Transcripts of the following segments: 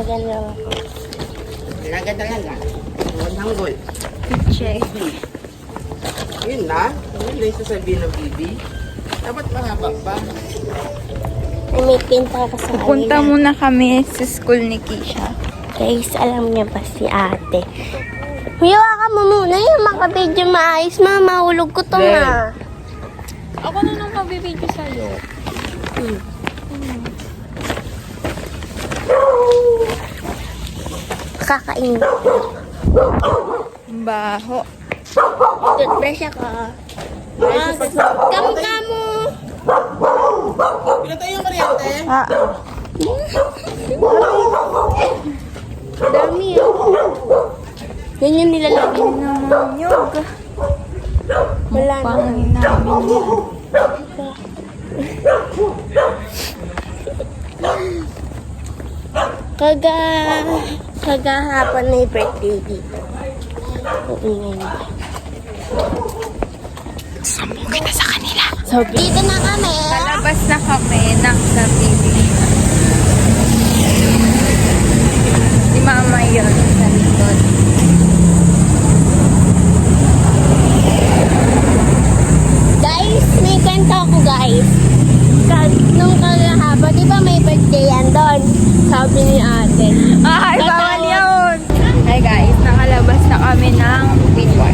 Maganda ako. Talaga talaga. Huwag hanggol. Check. Yun na. Yun na yung sasabihin ng bibi. Dapat mahaba pa. Ay, may pinta ka sa Punta kanila. muna kami sa school ni Kisha. Guys, alam niya ba si ate? Hiwa ka mo muna yung makabidyo maayos. Mahulog ko to Len. nga. Ako na nung mabibidyo sa'yo. Kakain. Baho. Toothbrush ako. Kamu-kamu. Pinatay yung kuryente. Ah, Dami ah. Yan yung nilalagay. naman yun. Wala na. Pangin namin yan. Kagahapon na yung birthday dito. Uingay na. Sambong kita sa kanila. So, dito na kami. Palabas na kami ng gabi. Si mama yun sa likod. Guys, may kanta ako guys. Nung kagahapon, di ba may birthday yan doon? Sabi ni ate. Ay, bawal yun! Hi guys, nakalabas na kami ng Pitway.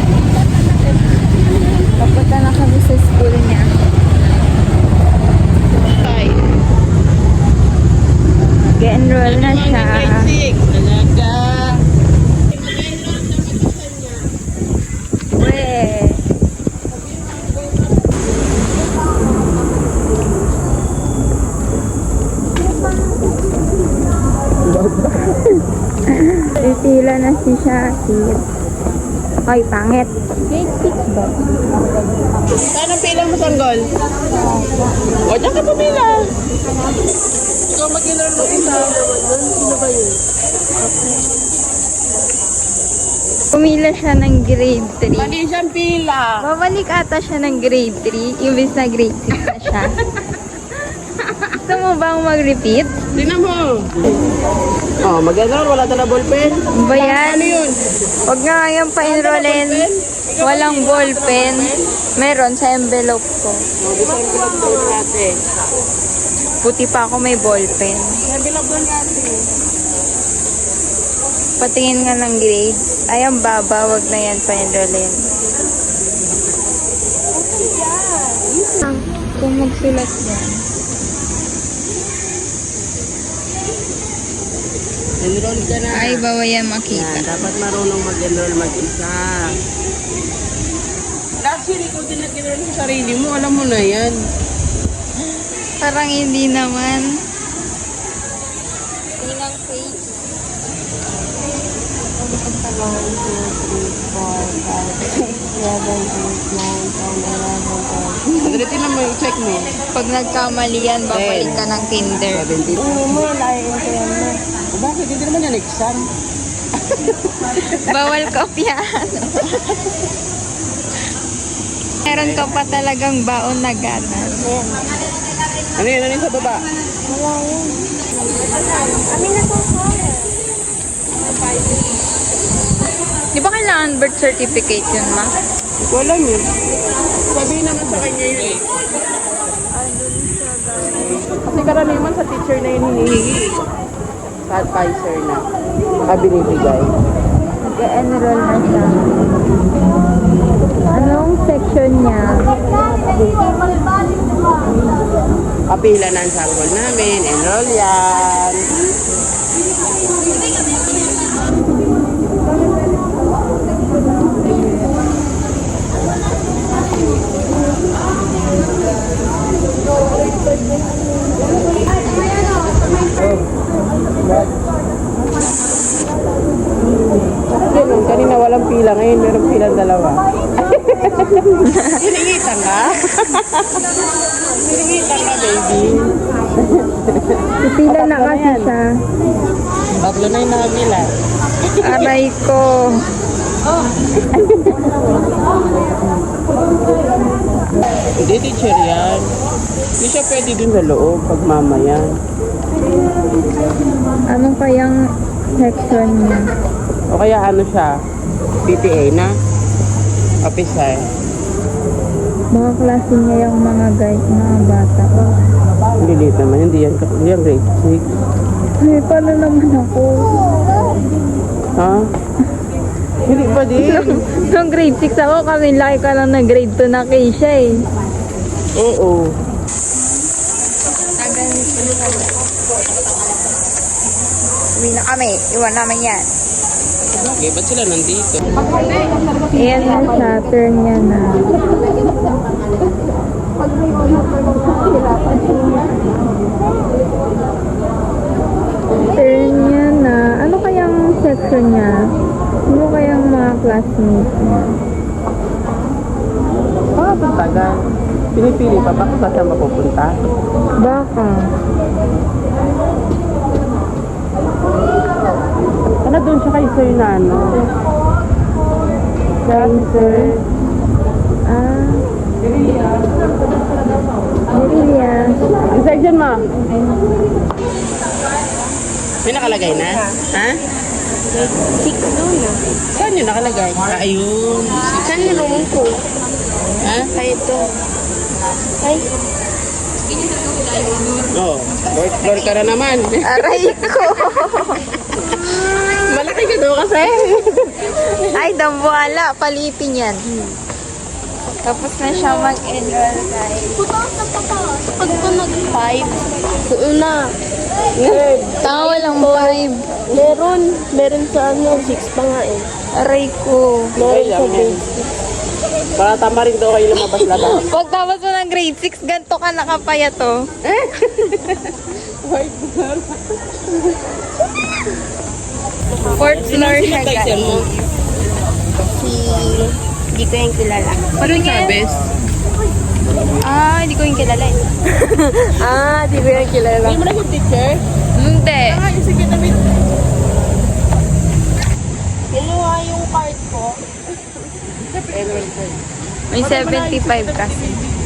Papunta na kami sa school niya. Ge-enroll na siya. Talaga. Weh. Pipila na si Shakir. Ay, pangit. Grade 6 ba? Saan ang pila mo, Sanggol? O, dyan ka pumila. Ikaw mag-enroll mo isa. Sino ba yun? Pumila siya ng grade 3. Mali siyang pila. Babalik ata siya ng grade 3, imbis na grade 6 na siya. Gusto mo bang mag-repeat? Tingnan mo. Oh, mag-enroll. Wala na ballpen. Ba yan? Ano yun? Huwag nga ngayon pa-enrollin. Walang ballpen. Meron sa envelope ko. Oh, design ko lang doon natin. Puti pa ako may ballpen. Nabilog doon natin. Patingin nga ng grades. Ay, ang baba. Huwag na yan pa-enrollin. Kung magsulat yan. Enroll ka na. Ay, bawa yan Yan, makita. dapat marunong mag-enroll mag-isa. Last year, ikaw din nag-enroll sa sarili mo. Alam mo na yan. Parang hindi naman. Inang page. 11, 12, 13, 14, 15, 16, 17, 18, 19, 20. Tignan mo yung check mo. Pag nagkamali yan, babalik ka ng kinder. 17. Oo mo, naiinto yan mo. Bakit? Hindi naman yan exam. Bawal kopyahan. Meron ka pa talagang baon na ganas. Ano yun? Ano yun sa baba? Wala yun. Kami na po Di ba kailangan birth certificate yun, ma? Hindi ko alam yun. Sabihin naman sa kanya yun eh. Kasi karaniwan sa teacher na yun hinihingi. Sa advisor na. Binibigay. Nag-enroll na siya. Anong section niya? Kapila na ang sanggol namin. Enroll yan. Ganun, kanina walang pila, ngayon meron pilang dalawa. Hiningitan ka? Hiningitan ka, baby. Pipila na kasi siya. Tatlo na yung nakabila. Aray ko. Hindi, teacher yan. Hindi siya pwede dun sa loob pag mamaya. Anong kayang section niya? O kaya ano siya? PTA na? Officer. Mga klase niya yung mga guys, mga bata. Lilit naman, hindi yan grade 6. Ay, paano naman ako? Ha? Hindi pa din. Nung grade 6 ako, kami laki ka lang na grade 2 na Keisha eh. Oo. Uwi na kami, iwan namin yan. Okay, ba't sila nandito? Ayan na siya, turn niya na. Turn niya na. Ano kayang section niya? Ano kayang mga classmates niya? Ang tagal. Pinipili pa ba kung saan mapupunta? Baka. Ano doon siya kay Sir na ano? Kay Sir. Ah. Merilia. Inside dyan, ma. May nakalagay na? Ha? 6 doon na. Saan yun nakalagay? Ah, ayun. Saan yung room ko? Ha? Ay, ito. Ay, Oo. Fourth floor ka na naman. Aray ko. Malaki ka daw kasi. Ay, dambuhala. Palipin yan. Tapos na siya mag-enroll guys. pag ko nag-5, doon na. Tama walang 5. Meron sa ano, 6 pa nga eh. Aray ko. Okay lang yan. Para tama rin daw kayo lumabas-labas. Pag tapos mo ng grade 6, ganito ka nakapaya to. Fourth floor siya guys. Hindi ko yung kilala. Ano yung sabes? Ah, hindi ko yung kilala eh. Di ko yung kilala. Hindi mo na yung teacher? Hindi. Ah, yung sige namin. Kinuha yung card ko. May 75 kasi.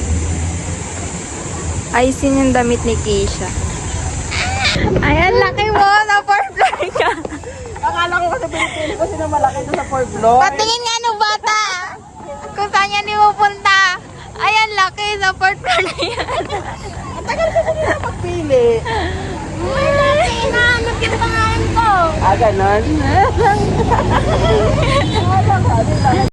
Ayusin yung damit ni Keisha. Ayan, laki mo! Na fourth floor ka! Akala ko kasi pinipili kasi na malaki doon sa 4th floor. Patingin nga no bata! Kung saan yan pupunta. Ayan, laki sa fourth floor na yan. Ang tagal kasi nila magpili. Wala, hinahanap yung pangalan ko. Ah, ganon?